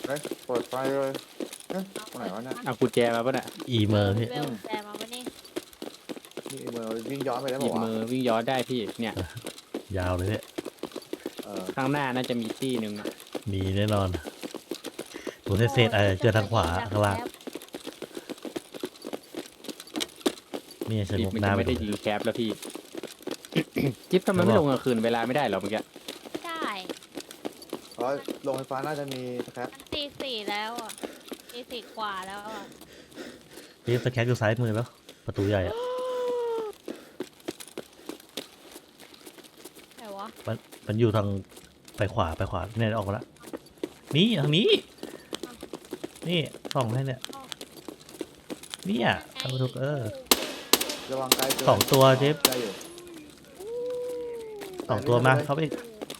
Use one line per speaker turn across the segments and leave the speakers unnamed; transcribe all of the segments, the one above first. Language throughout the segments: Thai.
ฮ้ยเปิดไฟเลยเอ๊ะตรงไหนวะเนี่ย
เอากุญแจมาป่ะเนี่ย
อีเมอร์พี่
เวลแจมาวันนี้
นี่เมือวิ่งย้อนไปได้
หยิ
ป่า
บ
วะ
มือวิ่งย้อนได้พี่เนี่ย
ยาวเลยพี่
ข้างหน้าน่าจะมีตี้หนึ่งอะ
มีแน่นอนตัวเศษเจอทางขวาข้างล่างนี่ส
พี่
งบ
มัน
หน้า
จะ
ไป
ไม่ได้
ดู
ยิงแคปแล้วพี่ จิ๊บทำไมไม่ลงกลางคืนเวลาไม่ได้หรอเมื่อกี้
ไม่ได้
เพราะโรงไฟฟ้าน่าจะมีครับ
มันตี 4แล้วอ่ะตี 4 กว่าแล้วอ่ะ
พี่สแครอยู่ซ้ายมือแล้ว ประตูใหญ่อะ
ไหนวะ
มันอยู่ทางไปขวาเนี่ยออกมาแล้วนี่ทางนี้ นี่ส่องให้เนี่ยเนี่ยทางประตู
ระวังไกลเกิน
สองตัวเจฟ
ได้อยู่
สองตัวมาเข้าไปอีก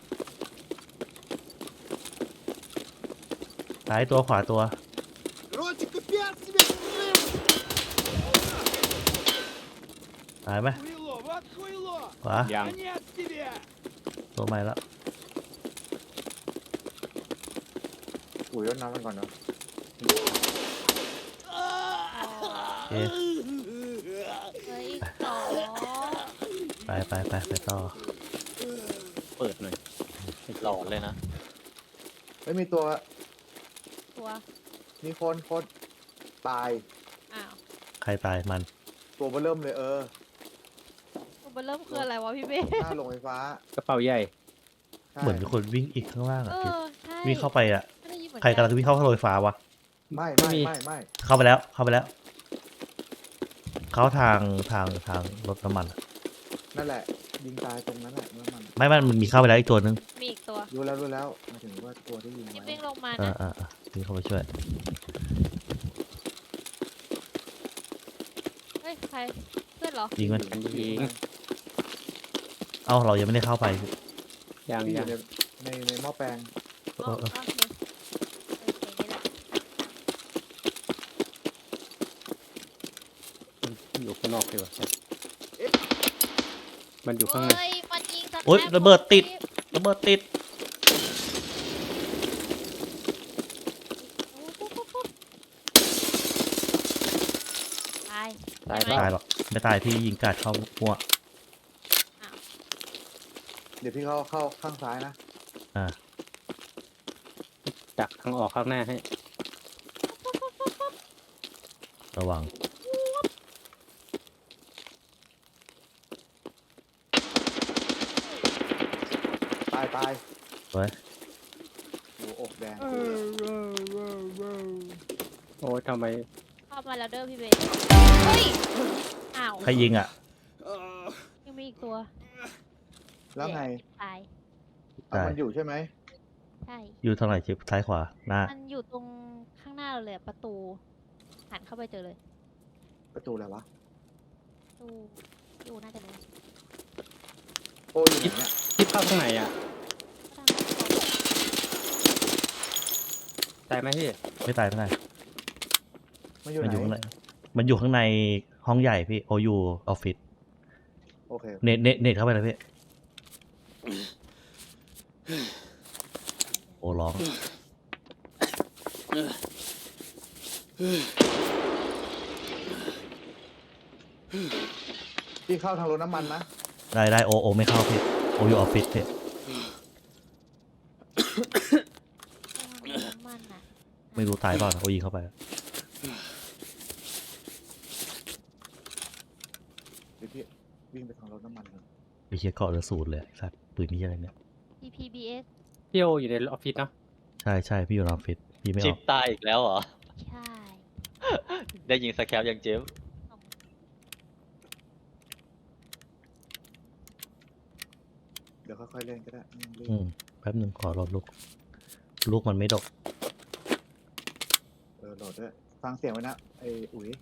ซ้ายตัวขวาตัว
Ротик, опять себе слышь!
ตายไหม
Хуйло, вот хуйло!
ขวา
ยัง
Конец тебе!
ตัวใหม่แล้ว
อุ้ยรดน้ำมันก่อนเนาะ
เอ๊ะ
เฮ้ยอีกสอง
ไปต่อ
เปิดหน่อยหลอนเลยนะ
ไม่มีตัว
ตัว
มีคนตาย
อ้าว
ใครตายมัน
ตัวเบอร์เริ่มเลย
ตัวเริ่มคืออะไรวะพี่เบ้
หน้าโรงไฟฟ้าก
ระเป๋าใหญ่
ใช่
เหมือนมีคนวิ่งอีกข้างล่าง
เอ
อะ
อใช่
วิ่งเข้าไปอะ
ไม่ได้ยินเหมือน
ใครกำลังวิ่งเข้าโรยฟ้าวะ
ไม่
เข้าไปแล้วเขาทางรถน้ำมันอะ
นั่นแหละยิงตายตรงนั้นแหละน้ำมัน
ไม่มันมีเข้าไปแล้วอีกตัวนึง
มีอีกตัว
รู้แล้วหมายถึงว่าตัวที่ยิง
นี่
ไว้
วิ่งลงมา
อ่า
นะ
วิ่งเข้าไปช่วย
เฮ้ยใครเพื่อนเหรอ
ยิงมัน
มันยิง
เอ้าเรายังไม่ได้เข้าไป
ยัง
ที่อ
ยั
ยู่
ง
ในหม้อแปลง
อ๋อโอเคโอเคนี่แหละ
อยู่ข้างนอกดีกว่ามันอยู่ข้างใน
เฮ้ยมันยิงสแคป
โอ๊ยระเบิดติด ระเบิดติด
ตาย
ตาย
ใช่
เป
ไหม
ล่า
ตายหรอกไม่ตายพี่ยิงกาดเข้าหัว
เดี๋ยวพี่เข้าข้างซ้ายนะ
ดักทางออกข้างหน้าให้
ระวัง
ตาย
ไว้
โอ้อกแดง
โอ้ยทำไม
เข้ามาแล้วเด้อพี่เบสเฮ้ยอ้าว
ใครยิงอ่ะ
ยังมีอีกตัว
แล้วไง
ตาย
เอามันอยู่ใช่ไหม
ใช่
อยู่ทางไหนชิปซ้ายขวาหน้า
มันอยู่ตรงข้างหน้าเราเลยอะประตูหันเข้าไปเจอเลย
ประตูอะไรวะ
ประตูอยู่น่าจะรู้
โอ้ยอยู่ไหนเนี่ย
ที่เข้าข้างในอ่ะตายไหมพี่
ไม่ตาย
มันอยู่
มันอยู่ข้าง
ไหน
ในมันอยู่ข้างในห้องใหญ่พี่โออยู่ออฟฟิศ
โอเค
เน็ตเข้าไปเลยพี่โอ้ร้อง
พี่เข้าทางรถน้ำมันนะ
ได้โอไม่เข้าพี่โออยู่ออฟฟิศพี่
น้ำมันอ่ะ
ไม่รู้ตายเปล่าโอยิงเข้าไป
เดี๋ยวพี่วิ่งไปทางรถน้ำมันเลย
ไปเชียร์เกาะเหลือ0เลยไอ้สัตว์ปืนนี่อะไรเนี่ย
TPBS
พี่โออยู่ในออฟฟิศเนาะ
ใช่พี่อยู่ในออฟฟิศพี่ไม่อ
จิ๊
อบ ก
ตายอีกแล้วเหรอ
ใช่
ได้ยิงสแคปยังเจฟ
เดี๋ยวค่อยๆเล่นก็ได้ไม่ต้องรีบ
แป๊บหนึ่งขอรอลูกมันไม่ดก
โหลดด้วยฟังเสียงไว้นะไอ้อุ๋ย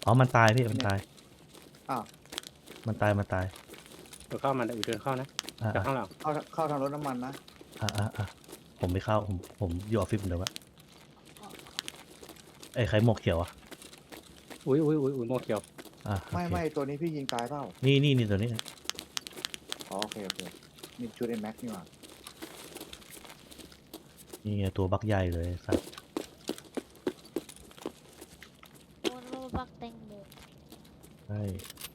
อ๋อมันตายพี่มันตาย
อ้าว
มันตายมันตาย
เดี๋ยวเข้ามาเดี๋ยวเดินเข้านะ
อ่า
จากข้างหลัง
เข้าทางรถน้ำมันนะ
ผมไม่เข้าผมอยู่ออฟฟิศเหมือนเดิมอะไอ้ใครหมวกเขียวอะ
อุ้ยโมเขียว
โอเค
ไม่ตัวนี้พี่ยิงตายเปล่า
นี่ตัวนี้
อ๋อโอเคนี่ชุดไอ้แม็กนี่หว่า
นี่ไงตัวบักใหญ่เลยสัตว์
โดนโลบักแตงโม
ใช่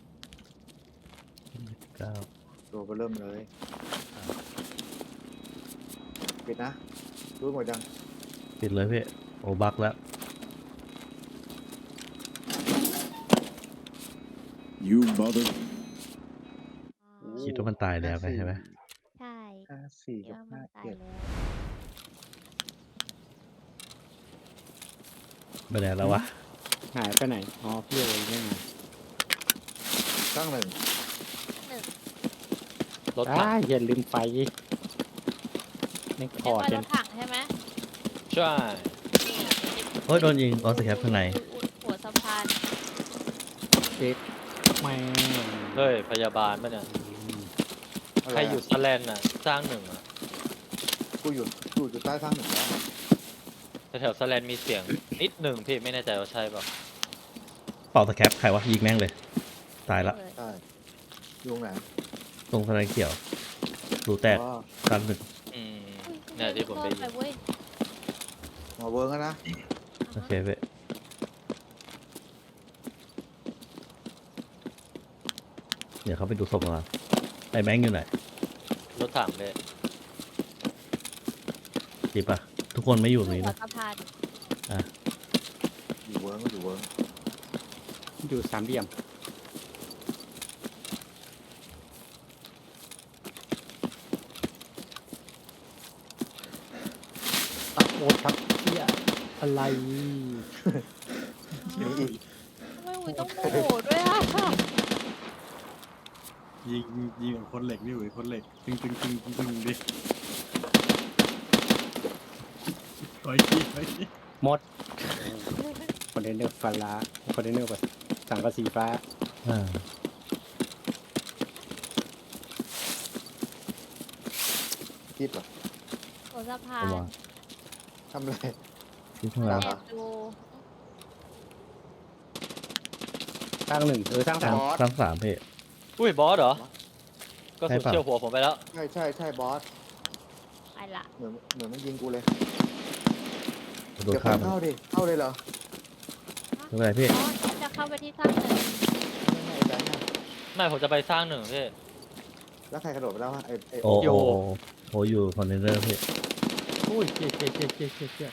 29
ตัวเบอร์เริ่มเลยปิดนะรู้หมดยัง
ปิดเลยพี่โอ้บักแล้ว
You mother.
คิดว่ามันตายแล้วใช่ไหม
ใช่
54
คิด
กับ
ว่ามันตายแล้ว
ไปไหนแล้ววะ
หายไปไหนอ๋อพี่โอ้ยไม่มา
57ตั้งหนึ่ง
รถถัง
อย่าลืมไฟไม่พ
เรีย
อก
ว่า
เจ
ร
น
ถถังใช่ไหม
ใช่
โอ้ยโดนยิงออสแคปข้างใน
หัวสะพาน
เจ็บแม่
เฮ้ยพยาบาลป่ะเนี่ยใครอยู่สแลนน่ะสร้างหนึ่งอ่ะ
กูอยู่ใต้สร้างหนึ่งแล้ว
แถวๆสแลนมีเสียงนิดหนึ่งพี่ไม่แน่ใจว่าใช่เปล่า
เป่าสแคปใครวะยิงแม่งเลย ตายละ
เลย
ใช่อยู่ตรงไหน
ตรงสไลด์เขียวรูแตก
อ๋อ
กันหนึ่ง
อืม
อุ้ย
เนี่ยที่ผมได้ยิ
ไป
น
เว้ย
มาเวิร์กแล้วนะ
โอเคพี่เดี๋ยวเขาไปดูศพมาไอ้แบงค์อยู่ไหน
รถถังเลย
จีบปะทุกคนไม่อยู่ตรงนี้
หัว
นะ
สะพาน
อยู่เวิร์ก
อยู่สามเหลี่ยมตะโกนทักเที่ยอะไร
มีอีก
ทำไมอุ้ยต้องโมโหด้วยอ่ะ
ยิงกับคนเหล็กนี่เว้ยคนเหล็กตึงดิไปที
หมดคอนเทนเนอร์ฟ้าคอนเทนเนอร์แบบสังกะสีฟ้า
อ่า
คิดเหรอ
หัวสะพา
ระ
น
วัง
ทำอะไร
ที่ข้างหลัง
แอบดู
สร้างหนึ่งสร้างสาม
สร้างสามพี่
อุ้ยบอสเหรอ ก็สุด
ใช่ปะ
เชี่ยวหัวผมไปแล้ว
ใช่บอส
ไอ้ละ
เหมือนมันยิงกูเลย
โดน
เดี๋ยว
ข้าม
เข้าดิเข้าเลยเหรอ
ไม่เป็นไรพี่
อ๋อจะเข้าไปที่สร้างหนึ่ง
ไม่ไอ้แบงค์อะ
ไม่ผมจะไปสร้างหนึ่งพี่
แล้วใครกระโดดไปแล้ววะไอ้
โอ้
โย
โอ้อยู่คอนเทนเนอร์พี่
อุ้ยเจ๊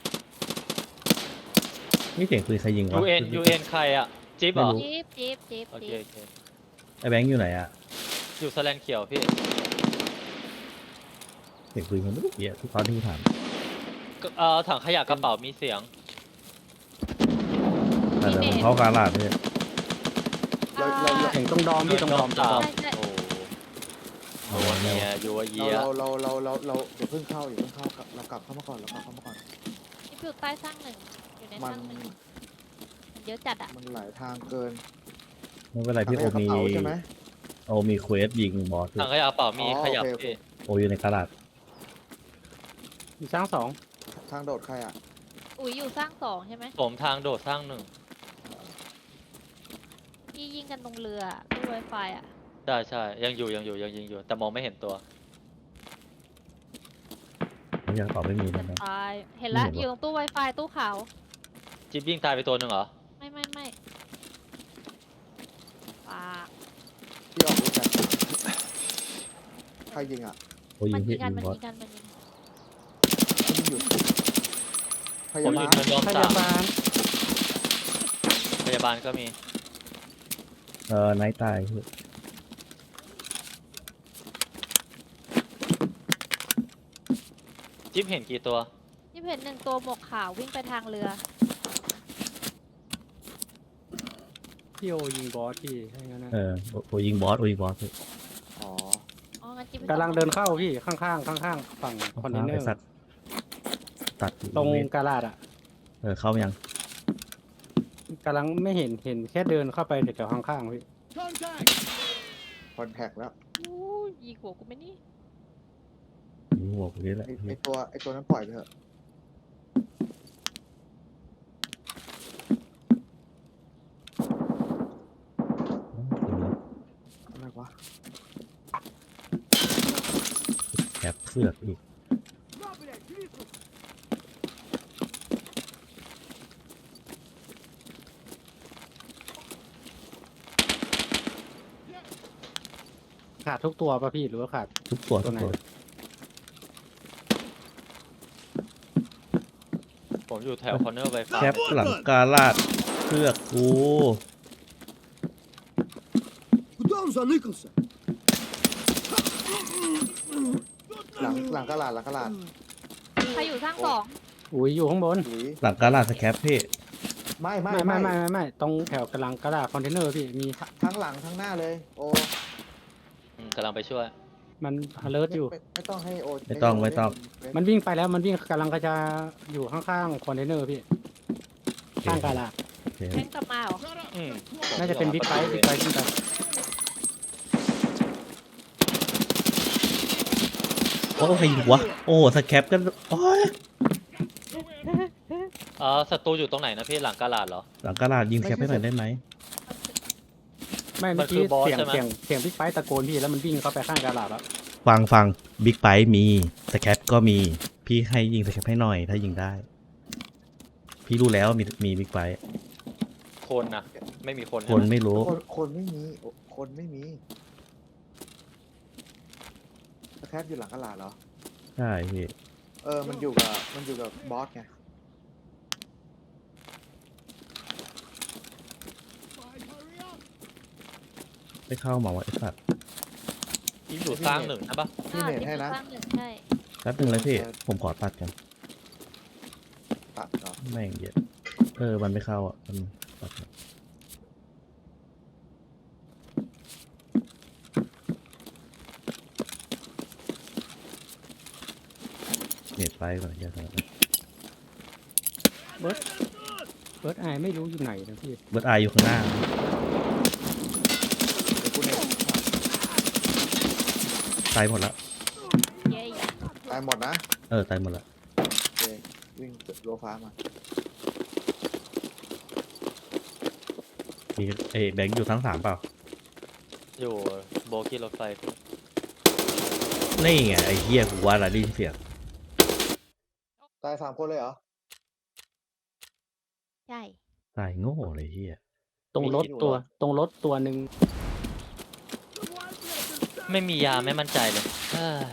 นี่เสียงปืนใครยิงวะ
UN ใครอ่ะ จิ๊บเหรอ
จิ๊บ
โอเคโอเค
ไอ้แบงค์อยู่ไหนอะ
อยู่สแลนเขียวพี่
เสียงปืนมันไม่รู้เหี้ยทุกตอนที่กูถาม
ถังขยะกระเป๋ามีเสียง
แต่ผมเข้าการลาดพี่
เรา
เสียงตรงดอมพี่ตรงดอม
ตาม
ใช่
โอ้โหเนี่ยยัวเยีย
เราอย่าเพิ่งเข้าเรากลับเข้ามาก่อน
จิ๊บอยู่ใต้สร้างหนึ่งอยู่ในส
มั
ร้าน งหนึ่งมันเยอะจัดอ่ะ
มันหลายทางเกิน
ไม่เป็นไรพี่โอ
ทำให้
มี
กระเป๋าใช่ไหม
โอมีเควสยิงบอสด้วย
ถังขยะกระเป๋ามี
อ๋อ
ขยับ
โอเค
พี่
โออยู่ในกระดาษ
อยู่สร้างสอง
ทางโดดใครอ่ะ
อุ้ยอยู่สร้างสองใช่ไหม
ผมทางโดดสร้างหนึ่ง
ที่ยิงกันตรงเรือตู้ไวไฟอ่ะ
ใช่ยังยิงอยู่ แต่มองไม่เห็นตัว
ผมยังตอบไม่มี
จะ
นะ
ตายเห็นละ
ไม่เห็นวะ
อยู่ตรงตู้ไวไฟตู้ขาว
จิ๊บยิงตายไปตัวหนึ่งเหรอ
ไม่ปา
ที่ออกรู้จักใครยิงอ่ะ
โอยิ
มั
ง
น
พี่
ยิงกัน
ยิง
มัน
บอส
ยิงกันมันยิง
ที่อยู่พ
ผ
ยาม
อบ
า
ยู่
ล
เนินยอม
พ
สาย
าม บาล
พยาบาลก็มี
ไนท์ตายพี่
จิ๊บเห็นกี่ตัว
ที่เห็นหนึ่งตัวหมวกขาววิ่งไปทางเรือ
พี่โอยิงบอสพี่ให้งั้นนะ
โอยิงบอสพี่
อ๋อ
อ๋องั้นจิ๊บ
กำลังเดินเข้าพี่ข้างฝั่งคอนเทนเนอ
ไอ้
ร์
สัตว์ตัด
ตรง
เวท
กาลาดอ่ะ
เข้ามายัง
กำลังไม่เห็นแค่เดินเข้าไปแถวข้างๆพี่
Contact!
คอนแทคแล้ว
อู้ยิงหัวกูไหมนี่
ยิงหัวกูนี่แหละ
ไอตัวนั้นปล่อยไปเถอะอะไรวะ
แอบเสือกอีก
На, блядь, Крисус!
ขาดทุกตัวป่ะพี่หรือว่าขาด
ทุกตัว
ตั
ทุ
ว
ก
ไหน
ตัว
ผมอยู่แถวคอนเนอร์ไฟฟ้า
แคปหลังกาลาดเสือกกู
Куда он заныкался?
หลังกระลาดหลังกระลาด
ใครอยู่สร้างสอง
อุ้ยอยู่ข้างบน
หรือ
หลังกาลาดสแคปพี่
ไม่
ไม่ตรงแถวกำลังกระดาษคอนเทนเนอร์พี่มี
ทั้งหลังทั้งหน้าเลย โอ้
กำลังไปช่วย
มัน alert อยู่
ไม่ต้องให้โอ
ไม่ต้องไม่ต้อง
มันวิ่งไปแล้วมันวิ่งกำลังก็จะอยู่ข้างๆคอนเทนเนอร์พี่ข้างกระดาษ
โอเค
แทงกลับมาเหรอ
Shut up!
อืม
น่าจะเป็นบิ๊กไบค์ขึ้นไป
โอ้ใครยิงวะโอ้สแคปกันโอ้ย
ศัตรูอยู่ตรงไหนนะพี่หลังกาลาดเหรอ
หลังกาลาดยิงสแคปให้หน่อยได้ไหม
ไม่
มั
เมื่อน
คื
กี้
อบอส
เสียง
ใช่ไหม
เสียงบิ๊กไบค์ตะโกนพี่แล้วมันวิ่งเข้าไปข้างกระดาษแล้ว
ฟังบิ๊กไบค์มีสแคปก็มีพี่ให้ยิงสแคปให้หน่อยถ้ายิงได้ พี่รู้แล้วมีบิ๊กไบค์
คนนะไม่มีคน
ค
ใช่
น
ไหม
ไม่รู้
คนไม่มีคนไม่มีแคปอยู่หลังกระลาดเหรอ
ใช่พี่
มันอยู่กับบอสไง
Hurry up!
ไม่เข้ามาว่าไอ้สัตว์
อยู่สร้างหนึ่งใช่ปะ
พี่เมทให้นะ
สร้างหนึ่งใช่
แป๊บนึงเลยพี่ผมขอตัดกัน
ตัดเหรอ
แม่งเยอะมันไม่เข้าอ่ะมันตัดก่อนเน็ตไปก่อนอย่าทำ
เบิร์ดไอไม่รู้อยู่ไหนนะพี่
เบิร์ดไออยู่ข้างหน้า
กูเนี่ย
ตายหมดแล้ว
เย้
ตายหมดนะ
ตายหมดแล้ว
โอเควิ่งโลฟ้ามา
มีแบงค์อยู่ทั้ง3เปล่า
อยู่โบกี้รถไฟพี่
นี่ไงไอ้เหี้ยกูว่าละได้ยินเสียง
ตาย3 คนเลยเหรอ
ใช่
ตายโง่เลยเหี้ย
ตรงรถตัวหนึ่ง
ไม่มียาไม่มั่นใจเลยเอ้ย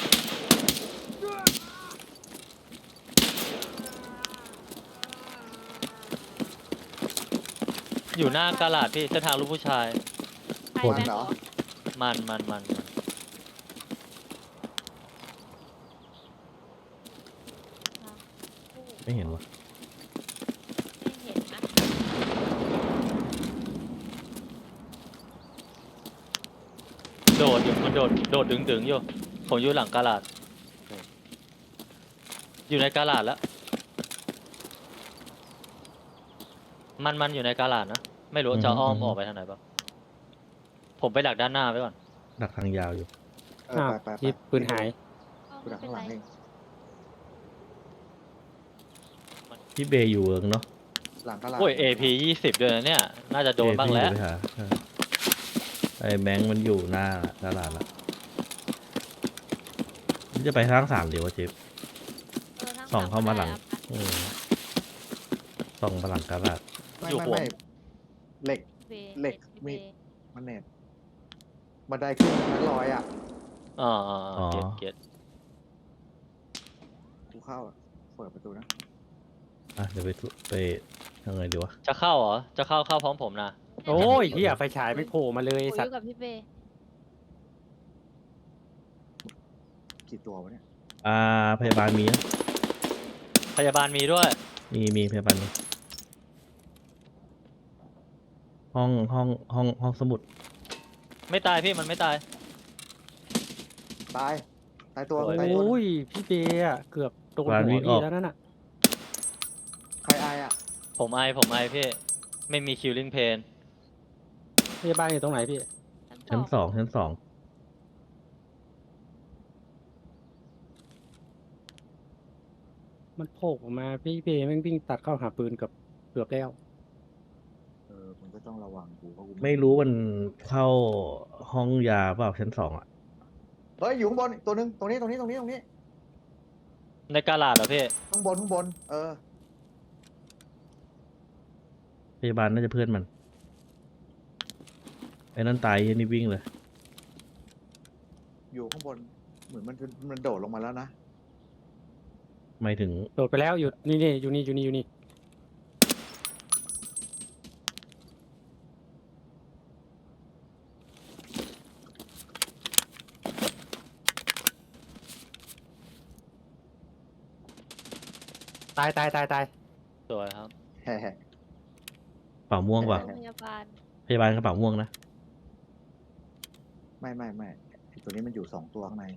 อยู่หน้ากาลาดพี่เส้นทางลูกผู้ชาย
ใคร
คน
แม่ง
เหรอ
มัน
ไม่เห็นวะ
ไม่เห็นนะ
โดดอยู่มันโดดดึงอยู่ผมอยู่หลังกาลาดอยู่ในกาลาดแล้วมันอยู่ในกาลาดนะไม่รู้จะอ้อมออกไปทางไหนบ้างผมไปดักด้านหน้าไว้ก่อน
ดักทางยาวอยู่
อ้าว
ไป
ที่ปืนหาย
กูดักข้างหลังเอง
พี่เบย์อยู่เนาะ
หลังกระลาด
โอ้ย AP 20ด้วยนะเนี่ย น่าจะโดนบ้างแล้ว
พี่อยู่ไปหาไอ้แบงค์มันอยู่หน้าตลาดละมันจะไปทาง3เดี๋ยววะเจฟ ส่องเข้ามาหลัง ส่องมาหลังกระดาษ
ไม่เหล็ก เหล็กมี มันเน็ตบันไดขึ้นนั้นลอยอ่ะ
อ๋อเก็ต
กูเข้าอะเปิดประตูนะ
เดี๋ยวไปยังไงดีวะ
จะเข้าเหรอ จะเข้าพร้อมผมนะ
โอ้ยเฮียไฟฉายไม่โผล่มาเลย
กู
สั
อ
ต
ยู่
ว์
กับพี่เบย์
กี่ตัววะเนี่ย
พยาบาลมีนะ
พยาบาลมีด้วย
มีพยาบาลมีห้องสมุด
ไม่ตายพี่มันไม่ตาย
ตายตัว
โอ้ย
ตายตัว
โอ้ยพี่เบย์อะเกือบโดนหัวพี่แล้วนั่นน่ะ
ใครอายอ่ะ
ผมไอพี่ไม่มีคิลลิ่งเพน
พยาบาลอยู่ตรงไหนพี่
ชั้นสองชั้นสอง
มันโผล่ออกมาพี่เบแม่งวิ่งตัดเข้าหาปืนกับเกือบแล้ว
มันก็ต้องระวังกูเพราะกู
ไม่รู้มันเข้าห้องยาเปล่าชั้นสองอ่ะ
เฮ้ยอยู่ข้างบนอีกตัวนึงตรงนี้
ในกาลาดเหรอพี่
ข้างบน
พยาบาลน่าจะเพื่อนมันไอ้นั่นตายไอ้นี่วิ่งเลย
อยู่ข้างบนเหมือนมันโดดลงมาแล้วนะ
หมายถึง
โดดไปแล้วอยู่นี่อยู่นี่ตาย
สวยครับ
แฮ่
กระเป๋าม่วงป่ะ
โรงพยาบาล
พยาบาลกระเป๋าม่วงนะ
ไม่ไอ้ตัวนี้มันอยู่2ตัวข้างใน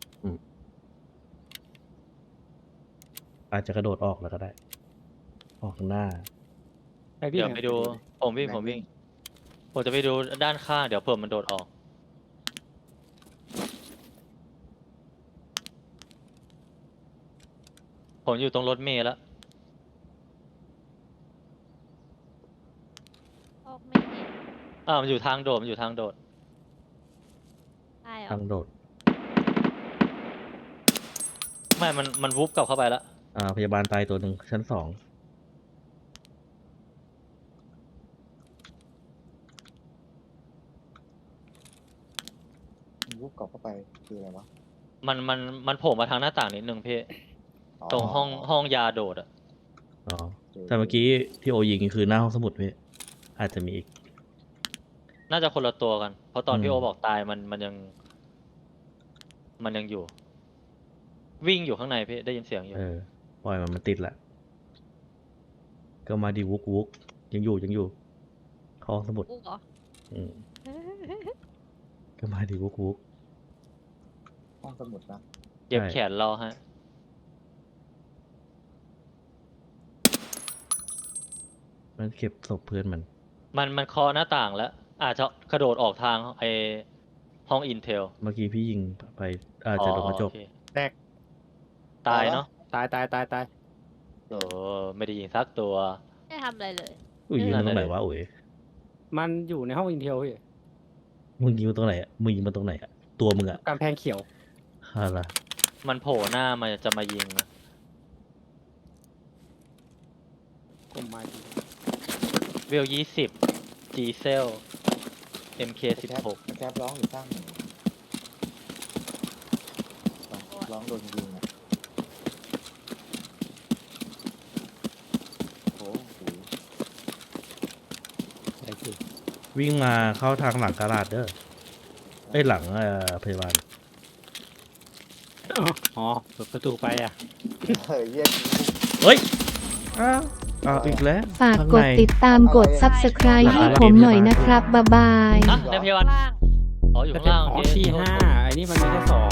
อาจจะกระโดดออกแล้วก็ได้ ออกข้างหน้า
ไปวิ่ง
เดี๋ยวไปดู ผมวิ่ง ผมจะไปดูด้านข้าง เดี๋ยวเผื่อมันโดดออก ผมอยู่ตรงรถเมล์แล้ว
ออกไม่เห็น
มันอยู่ทางโดด
ตายเหรอ
ทางโดด
ไม่ มันวุบกลับเข้าไปแล้ว
พยาบาลตายตัวหนึ่งชั้นสอง
วุบกลับเข้าไปคืออะไรวะ
มันโผล่มาทางหน้าต่างนิดนึงพี่ ตรงห้องยาโดดอะ
อ๋อแต่เมื่อกี้ที่โอยิงคือหน้าห้องสมุดพี่อาจจะมีอีก
น่าจะคนละตัวกัน เพราะตอน
อืม
พี่โอบอกตายมันยังอยู่ วิ่งอยู่ข้างในพี่ได้ยินเสียงอยู่
ปล่อยมันติดละก็มาดีวุกยังอยู่เข้าห้องสมุด
อุ๊กเหรอ
อืมก็มาดีวุก
ห้องสมุดนะ
เก็บ
ใช่
แขนรอฮะ
มันเก็บศพเพื่อนมัน
มันเคาะหน้าต่างแล้ว อาจจะกระโดดออกทางห้องอินเทล
เมื่อกี้พี่ยิงไปอาจจะโดนกระจก
แตก
ตายเนาะ
ตาย
ไม่ได้ยิงสักตัว
ไม่ทำอะไรเลย
อุ้ยยิงมันตรงไหนวะอุ๋ย
มันอยู่ในห้องอินเทลพี่
มึงยิงมันตรงไหนอ่ะมึงยิงมันตรงไหนอ่ะตัวมึงอ่ะ
กำแพงเขียว
อะไร
มันโผล่หน้ามันจะมายิงนะ
กลมไม้
เวล20 G เซล MK 16
แคปร้องอยู่ข้างหนึ่งร้องโดนยิงอ่ะโอ้โห
อะไรพี่
วิ่งมาเข้าทางหลังกาลาดเด้อเอ้ยหลังพยาบาล
อ๋อเปิดประตูไปอ่ะ
เฮ้ยเยี่ยม
เฮ้ยอีกแล้ว
ฝาก
ข้ง
ก
ใน
ดติดตามกด Subscribe ให้ผมหน่อยนะครับ บ๊ายบาย
อ่ะในพยาบาล
ล่าง
อ๋ออยู่ข้างล่าง
อ๋อ
โอเค
ที่ห้าไอ้นี่มันมีแค่สอง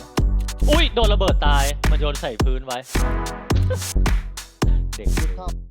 อุ้ยโดนระเบิดตาย มันโยนใส่พื้นไว้ เด็ก
ชอบ